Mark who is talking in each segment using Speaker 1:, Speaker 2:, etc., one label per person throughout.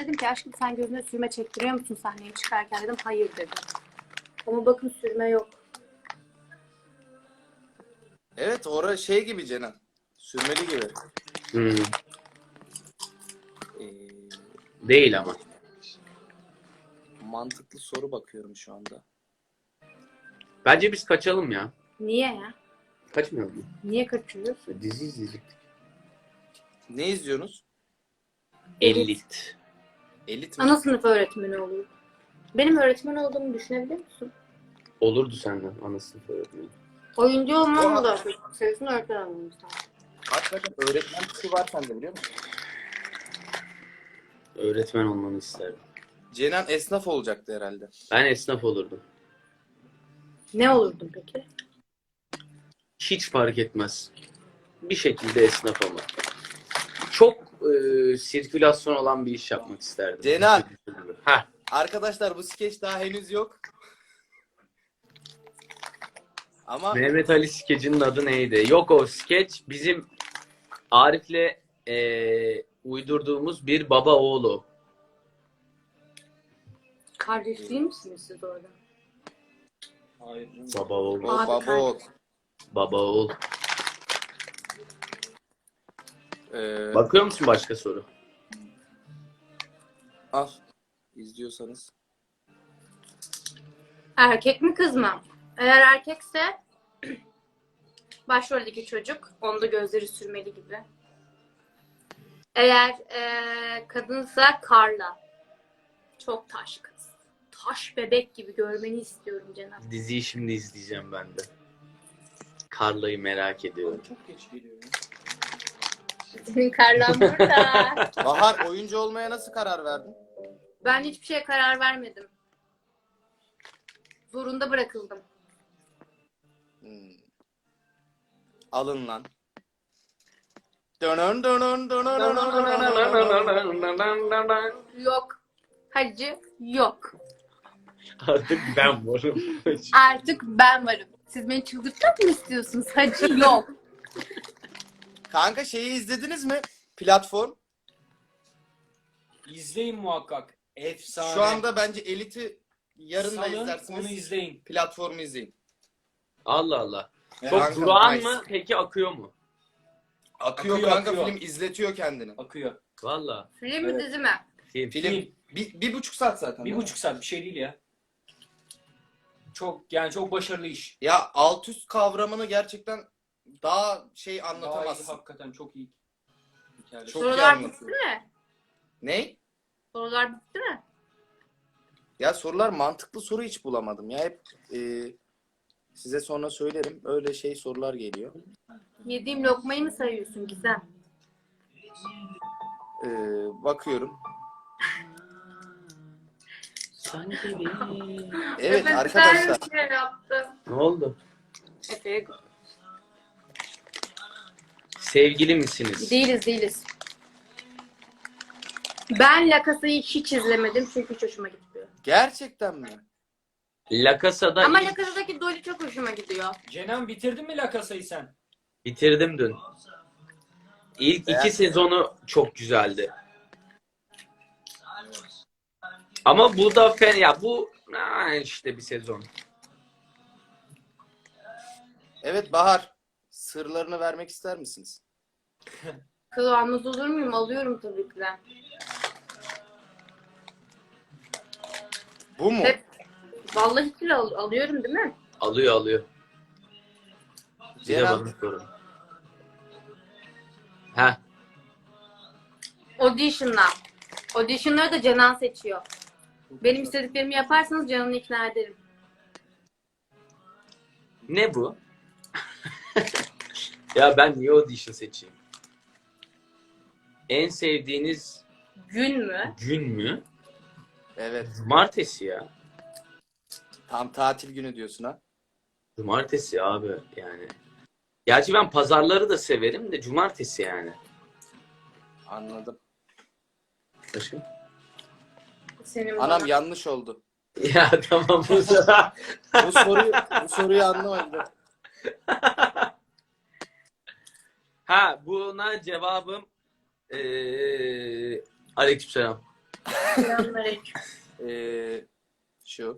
Speaker 1: dedim ki aşkım sen gözüne sürme çektiriyor musun sahneye çıkarken dedim. Hayır dedim. Ama bakın sürme yok.
Speaker 2: Evet orada şey gibi Cenan. Sürmeli gibi.
Speaker 3: Hmm,
Speaker 2: Ee,
Speaker 3: değil ama.
Speaker 2: mantıklı soru bakıyorum şu anda.
Speaker 3: Bence biz kaçalım ya.
Speaker 1: Niye ya?
Speaker 3: Kaçmayalım mı?
Speaker 1: Niye kaçıyoruz?
Speaker 3: Dizi izleyecektik.
Speaker 2: Ne izliyorsunuz?
Speaker 3: Elit.
Speaker 2: Elit mi?
Speaker 1: Ana sınıf öğretmeni oluyor. Benim öğretmen olduğumu düşünebilir misin?
Speaker 3: Olurdu senden ana sınıf öğretmeni.
Speaker 1: Oyuncu olmam da sayısını öğretmen olmam lazım.
Speaker 2: Hakikaten öğretmen kişi var sende biliyor musun?
Speaker 3: Öğretmen olmanı isterdim.
Speaker 2: Cenan esnaf olacaktı herhalde.
Speaker 3: Ben esnaf olurdum.
Speaker 1: Ne olurdun peki?
Speaker 3: Hiç fark etmez. Bir şekilde esnaf ama. Çok sirkülasyon olan bir iş yapmak isterdim.
Speaker 2: Cenan.
Speaker 3: Heh.
Speaker 2: Arkadaşlar bu skeç daha henüz yok. Ama
Speaker 3: Mehmet Ali skecinin adı neydi? Yok o skeç bizim Arif'le uydurduğumuz bir baba oğlu.
Speaker 1: Kardeş değil misiniz siz orada?
Speaker 4: Hayır.
Speaker 3: Baba oğul.
Speaker 2: o
Speaker 1: Abi
Speaker 2: baba ol.
Speaker 3: Baba oğul.
Speaker 2: Ee,
Speaker 3: Bakıyor musun başka soru?
Speaker 2: al. İzliyorsanız.
Speaker 1: Erkek mi kız mı? Eğer erkekse başroldeki çocuk. Onda gözleri sürmeli gibi. Eğer kadınsa Carla. Çok taş kız. Taş bebek gibi görmeni istiyorum Cenab.
Speaker 3: Diziyi şimdi izleyeceğim ben de. Carla'yı merak ediyorum.
Speaker 4: Çok geç geliyor. Ya.
Speaker 1: Senin Carla'm burada.
Speaker 2: Bahar oyuncu olmaya nasıl karar verdin?
Speaker 1: Ben hiçbir şeye karar vermedim. Zorunda bırakıldım.
Speaker 2: Hmm. Alın lan. Dönön dönön dönön dönön.
Speaker 1: Yok. Hacı yok.
Speaker 3: Artık ben varım.
Speaker 1: Artık ben varım. Siz beni çıldırtmak mı istiyorsunuz? Hacı yok.
Speaker 2: Kanka şeyi izlediniz mi? Platform.
Speaker 4: İzleyin muhakkak. Efsane.
Speaker 2: Şu anda bence Elit'i yarın da
Speaker 4: Salın,
Speaker 2: izlersiniz.
Speaker 4: onu izleyin.
Speaker 2: Platformu izleyin.
Speaker 3: Allah Allah.
Speaker 2: Ya
Speaker 3: Çok
Speaker 2: kanka,
Speaker 3: durağan
Speaker 2: nice.
Speaker 3: mı? Peki akıyor mu?
Speaker 2: Akıyor,
Speaker 4: Akıyor,
Speaker 2: kanka
Speaker 4: akıyor.
Speaker 2: film izletiyor kendini.
Speaker 4: Akıyor.
Speaker 3: Valla.
Speaker 1: Film mi
Speaker 4: Evet.
Speaker 1: dizi mi?
Speaker 3: Film.
Speaker 2: Film bir buçuk saat zaten. değil mi?
Speaker 4: 1,5 saat bir şey değil ya. Çok başarılı iş.
Speaker 2: Ya alt üst kavramını gerçekten daha şey
Speaker 4: Daha iyi,
Speaker 2: anlatamazsın.
Speaker 4: hakikaten çok iyi. Hikaye.
Speaker 2: Çok iyi
Speaker 1: Sorular bitti
Speaker 2: anlatıyor.
Speaker 1: mi?
Speaker 2: Ne?
Speaker 1: Sorular bitti mi?
Speaker 2: Ya sorular mantıklı soru hiç bulamadım. Ya hep size sonra söylerim. Öyle şey sorular geliyor.
Speaker 1: Yediğim lokmayı mı sayıyorsun Gizem?
Speaker 2: E, bakıyorum.
Speaker 3: Sanki bir...
Speaker 2: Evet
Speaker 1: Ben
Speaker 2: arkadaşlar.
Speaker 1: bir şey yaptım.
Speaker 3: Ne oldu?
Speaker 1: Efe'ye
Speaker 3: Sevgili misiniz?
Speaker 1: Değiliz. Ben La Casa'yı hiç izlemedim çünkü hiç hoşuma gitmiyor.
Speaker 2: Gerçekten mi?
Speaker 3: La Casa'da
Speaker 1: Ama
Speaker 3: ilk
Speaker 1: La Casa'daki Dolly çok hoşuma gidiyor.
Speaker 4: Cenan bitirdin mi La Casa'yı sen?
Speaker 3: bitirdim dün. İlk
Speaker 2: Beğendin
Speaker 3: iki
Speaker 2: mi?
Speaker 3: sezonu çok güzeldi. Ama bu da fena. Ya bu işte bir sezon.
Speaker 2: Evet Bahar. Sırlarını vermek ister misiniz?
Speaker 1: Kız almaz olur muyum? Alıyorum tabii ki de.
Speaker 2: Bu mu?
Speaker 1: Hep vallahi kilo alıyorum değil mi?
Speaker 3: Alıyor. Bir de
Speaker 2: Ceren.
Speaker 3: bana sorun. Ha,
Speaker 1: Audition'la. Audition'ları da Cenan seçiyor. Benim istediklerimi yaparsanız Canan'ı ikna ederim.
Speaker 3: ne bu? Ya ben niye audition seçeyim? En sevdiğiniz
Speaker 1: Gün mü?
Speaker 3: gün mü?
Speaker 2: Evet.
Speaker 3: Cumartesi ya.
Speaker 2: Tam tatil günü diyorsun ha.
Speaker 3: Cumartesi abi yani. Gerçi ben pazarları da severim de cumartesi yani.
Speaker 2: Anladım.
Speaker 3: Başka?
Speaker 1: Senin
Speaker 2: Anam
Speaker 1: bana.
Speaker 2: yanlış oldu.
Speaker 3: Ya tamam bu sefer.
Speaker 2: Bu soruyu anlamadım.
Speaker 3: Ha buna cevabım aleykümselam.
Speaker 1: Selamünaleyküm.
Speaker 2: Şu.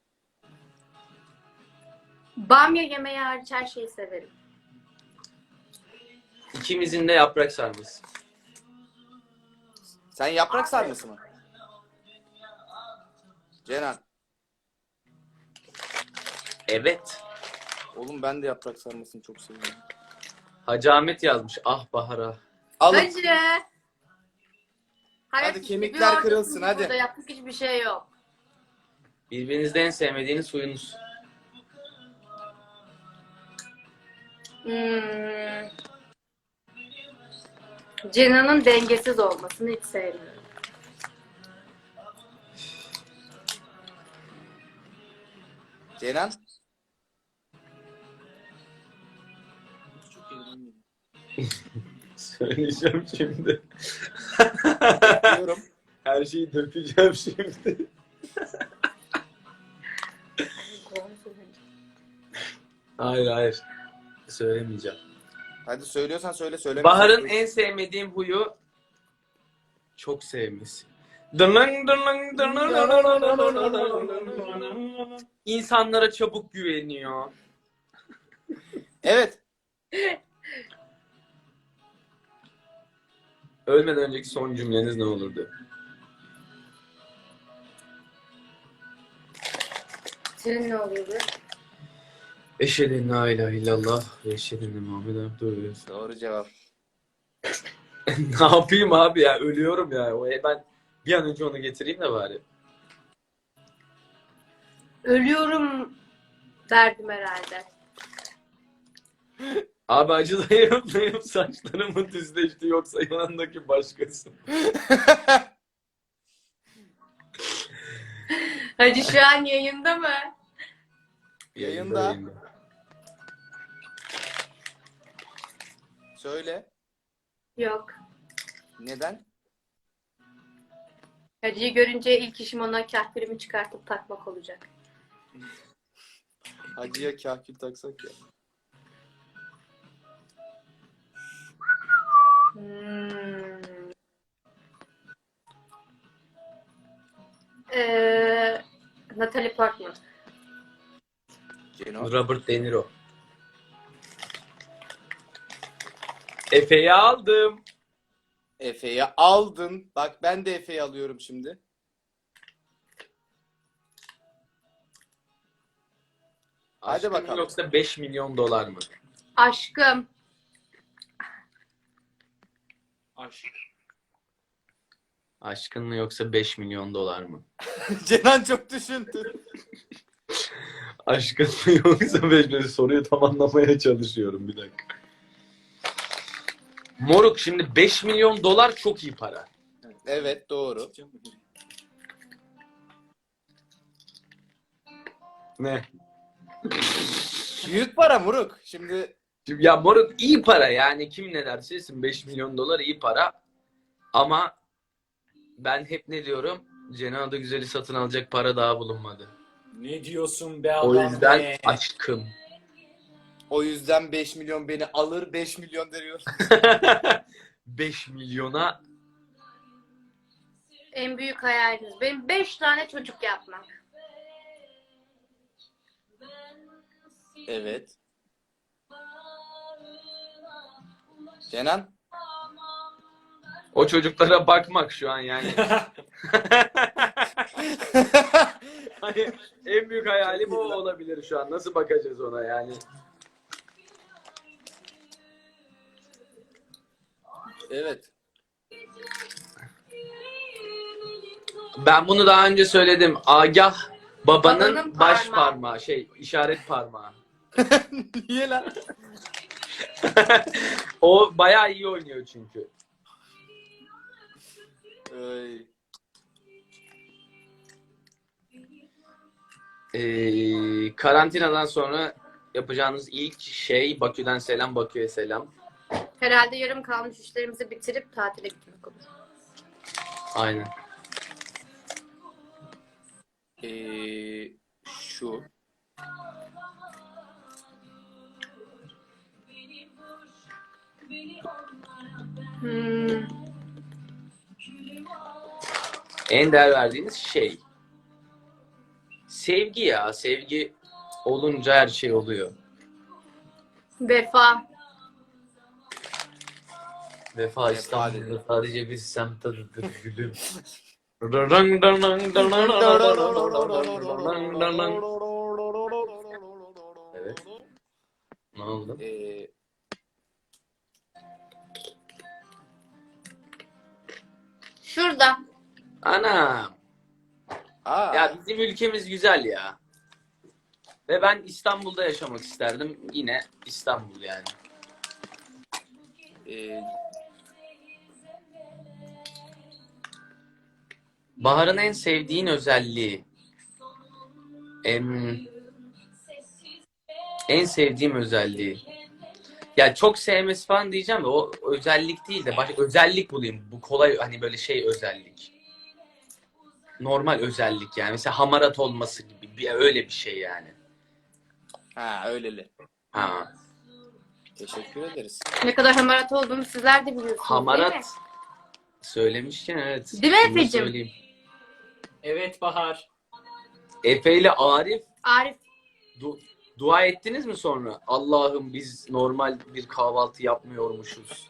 Speaker 1: Bamya yemeği hariç her şeyi severim.
Speaker 3: İkimizin de yaprak sarması.
Speaker 2: Sen yaprak sarması mı? Cenan.
Speaker 3: Evet.
Speaker 2: Oğlum ben de yaprak sarmasını çok seviyorum.
Speaker 3: Hacı Ahmet yazmış. Ah Bahar'a.
Speaker 2: Alın.
Speaker 1: Hadi. Hayat
Speaker 2: Hadi
Speaker 1: işte
Speaker 2: kemikler
Speaker 1: bir ortasında
Speaker 2: kırılsın, hadi.
Speaker 1: Burada yaptık hiçbir şey yok.
Speaker 3: Birbirinizde en sevmediğiniz huyunuz.
Speaker 1: Cenan'ın dengesiz olmasını hiç sevmiyorum.
Speaker 2: Cenan.
Speaker 3: Söyleyeceğim şimdi.
Speaker 2: Bekliyorum.
Speaker 3: Her şeyi dökeceğim şimdi. Hayır. Söylemeyeceğim.
Speaker 2: Hadi söylüyorsan söyle, söyle.
Speaker 3: Bahar'ın en sevmediğim huyu çok sevmesi. İnsanlara çabuk güveniyor.
Speaker 2: Evet.
Speaker 3: Ölmeden önceki son cümleniz ne olurdu?
Speaker 1: Senin ne oluyordu?
Speaker 3: Eşhedü en la ilahe illallah ve eşhedü enne Muhammeden abdühü.
Speaker 2: Doğru cevap.
Speaker 3: Ne yapayım abi ya? Ölüyorum ya. Ben bir an önce onu getireyim de bari.
Speaker 1: Ölüyorum derdim herhalde.
Speaker 3: Abi acıdayım saçlarım mı düzleşti yoksa yanındaki başkası mı?
Speaker 1: Hacı şu an yayında mı?
Speaker 2: Yayında. Söyle.
Speaker 1: Yok.
Speaker 2: Neden?
Speaker 1: Hacı'yı görünce ilk işim ona kahkülümü çıkartıp takmak olacak.
Speaker 2: Hacıya kahkül taksak ya.
Speaker 1: Natalie Portman.
Speaker 2: Ceno.
Speaker 3: Robert De Niro. Efe'yi aldım.
Speaker 2: Efe'yi aldın. Bak ben de Efe'yi alıyorum şimdi. Hadi
Speaker 3: Aşkım
Speaker 2: bakalım.
Speaker 3: yoksa 5 milyon dolar mı?
Speaker 1: Aşkım.
Speaker 4: Aşk.
Speaker 3: Aşkın mı yoksa 5 milyon dolar mı?
Speaker 2: Cenan çok düşündü.
Speaker 3: Aşkın mı yoksa 5 milyon soruyu tam anlamaya çalışıyorum bir dakika. Moruk şimdi 5 milyon dolar çok iyi para.
Speaker 2: Evet, doğru.
Speaker 3: Ne?
Speaker 2: Büyük para Muruk. Şimdi
Speaker 3: Şimdi ya moruk iyi para yani kim ne derse desin 5 milyon dolar iyi para. Ama ben hep ne diyorum? Cenab-ı Güzel'i satın alacak para daha bulunmadı.
Speaker 4: Ne diyorsun be adam
Speaker 3: O yüzden
Speaker 4: be?
Speaker 3: aşkım.
Speaker 2: o yüzden 5 milyon beni alır, 5 milyon veriyor.
Speaker 3: 5 milyona
Speaker 1: En büyük hayaliniz. Benim 5 tane çocuk yapmak.
Speaker 2: Evet. Cenan?
Speaker 3: o çocuklara bakmak şu an yani. Hani en büyük hayalim o olabilir şu an. Nasıl bakacağız ona yani?
Speaker 2: Evet.
Speaker 3: Ben bunu daha önce söyledim. Agah babanın
Speaker 1: Babanın
Speaker 3: baş
Speaker 1: parmağı.
Speaker 3: parmağı, işaret parmağı.
Speaker 2: Niye lan?
Speaker 3: O bayağı iyi oynuyor çünkü.
Speaker 2: Ay.
Speaker 3: Karantinadan sonra yapacağınız ilk şey Bakü'den selam, Bakü'ye selam.
Speaker 1: Herhalde yarım kalmış işlerimizi bitirip tatile gitmek olur.
Speaker 3: Aynen.
Speaker 2: Şu.
Speaker 3: En değer verdiğiniz şey. Sevgi ya. Sevgi olunca her şey oluyor.
Speaker 1: Vefa.
Speaker 3: Vefa
Speaker 2: dedi.
Speaker 3: İstanbul'da sadece bir semt adıdır gülüm. Evet. Ne oldu?
Speaker 1: Şurada.
Speaker 3: Ana.
Speaker 2: Aa,
Speaker 3: Ya bizim ülkemiz güzel ya. Ve ben İstanbul'da yaşamak isterdim. Yine İstanbul yani.
Speaker 2: e,
Speaker 3: Bahar'ın en sevdiğin özelliği. En sevdiğim özelliği. Ya çok sevmesi falan diyeceğim de o özellik değil de başka özellik bulayım. Bu kolay hani böyle şey özellik. Normal özellik yani. Mesela hamarat olması gibi öyle bir şey yani.
Speaker 2: ha öyleli.
Speaker 3: Ha.
Speaker 2: Teşekkür ederiz.
Speaker 1: Ne kadar hamarat olduğumu sizler de biliyorsunuz değil mi?
Speaker 3: Hamarat söylemişken evet.
Speaker 1: Değil mi
Speaker 3: Bunu da
Speaker 1: Efe'cim?
Speaker 3: söyleyeyim.
Speaker 4: Evet Bahar.
Speaker 3: Efe ile Arif
Speaker 1: Arif.
Speaker 3: dua ettiniz mi sonra? Allah'ım biz normal bir kahvaltı yapmıyormuşuz.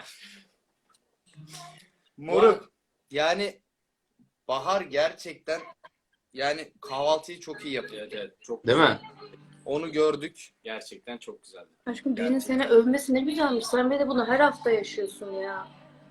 Speaker 2: Moruk. Yani Bahar gerçekten yani kahvaltıyı çok iyi yapıyor.
Speaker 4: Evet evet çok
Speaker 3: Değil mi?
Speaker 2: Onu gördük.
Speaker 4: Gerçekten çok güzeldi.
Speaker 1: Aşkım birinin seni övmesi ne güzelmiş. Sen bir de bunu her hafta yaşıyorsun ya.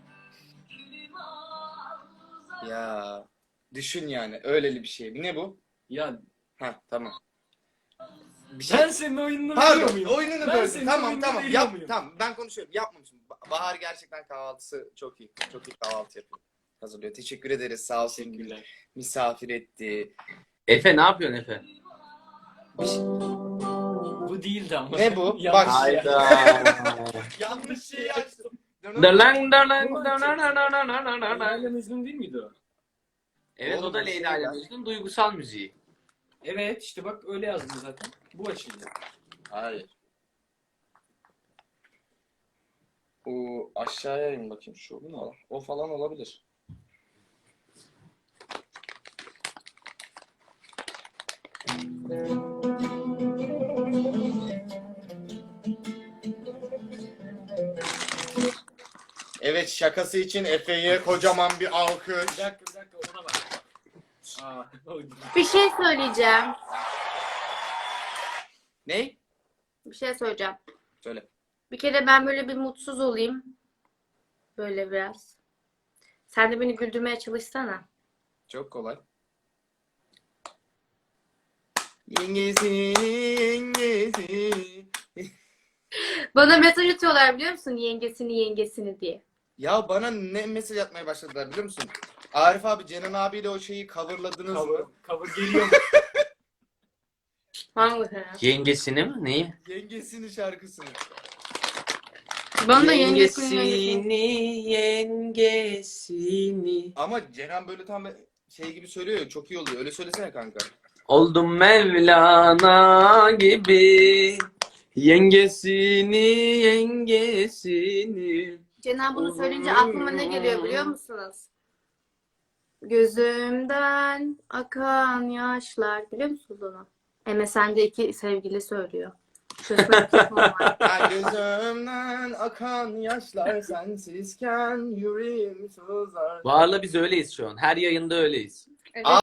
Speaker 2: Ya düşün yani öyleli bir şey. Ne bu?
Speaker 4: Ya
Speaker 2: Ha tamam. Bir şey.
Speaker 4: ben senin oyununu biliyor
Speaker 2: Pardon,
Speaker 4: muyum?
Speaker 2: oyununu
Speaker 4: Ben
Speaker 2: böldüm.
Speaker 4: senin
Speaker 2: Tamam
Speaker 4: oyununu
Speaker 2: tamam.
Speaker 4: biliyor
Speaker 2: Yap
Speaker 4: muyum?
Speaker 2: tamam. Ben konuşuyorum. Yapmamışım. Bahar gerçekten kahvaltısı çok iyi. Çok iyi kahvaltı yapıyor. Hazırlıyor. Teşekkür ederiz. Sağ olsun.
Speaker 4: Teşekkürler.
Speaker 2: Misafir etti.
Speaker 3: Efe ne yapıyorsun Efe?
Speaker 4: Bu değildi ama.
Speaker 2: Ne bu?
Speaker 4: Yanlış
Speaker 2: Bak-
Speaker 4: şey.
Speaker 2: Yanlış şeyi açtım.
Speaker 3: Darlan, darlan,
Speaker 4: Bu
Speaker 3: darlan, darlan, darlan, darlan.
Speaker 4: Leyla ile Mecnun değil miydi o?
Speaker 3: Evet o
Speaker 2: Oğlum,
Speaker 3: da
Speaker 2: bu şey
Speaker 3: Leyla ile
Speaker 2: ya.
Speaker 3: Mecnun duygusal müziği.
Speaker 4: Evet işte bak öyle yazdım zaten. Bu açıldı.
Speaker 2: Hayır. O aşağıya in bakayım şu. O falan olabilir. Evet şakası için Efe'ye kocaman bir alkış.
Speaker 4: Bir dakika ona bak. Aa, o değil.
Speaker 1: Bir şey söyleyeceğim.
Speaker 2: Ne?
Speaker 1: Bir şey söyleyeceğim.
Speaker 2: Söyle.
Speaker 1: Bir kere ben böyle bir mutsuz olayım. Böyle biraz. Sen de beni güldürmeye çalışsana.
Speaker 2: Çok kolay. Yengesi.
Speaker 1: Bana mesaj atıyorlar biliyor musun? Yengesini diye.
Speaker 2: Ya bana ne mesaj atmaya başladılar biliyor musun? Arif abi, Cenan abiyle o şeyi coverladınız
Speaker 4: Cover,
Speaker 2: mı?
Speaker 4: cover geliyor mu?
Speaker 1: Hangi?
Speaker 3: Yengesini mi? Neyi?
Speaker 2: Yengesinin şarkısını.
Speaker 1: Bana da yengesini.
Speaker 3: Yengesini.
Speaker 2: Ama Cenan böyle tam şey gibi söylüyor ya, çok iyi oluyor. Öyle söylesene kanka.
Speaker 3: Oldum Mevlana gibi. Yengesini.
Speaker 1: Cenan bunu söyleyince aklıma ne geliyor biliyor musunuz? Gözümden akan yaşlar. Biliyor musunuz onu? MSN'de sevgili söylüyor. Şöyle bir kısmı var.
Speaker 2: Ha, gözümden akan yaşlar sensizken yüreğim sızlar.
Speaker 3: Bahar'la biz öyleyiz şu an. Her yayında öyleyiz.
Speaker 1: Evet.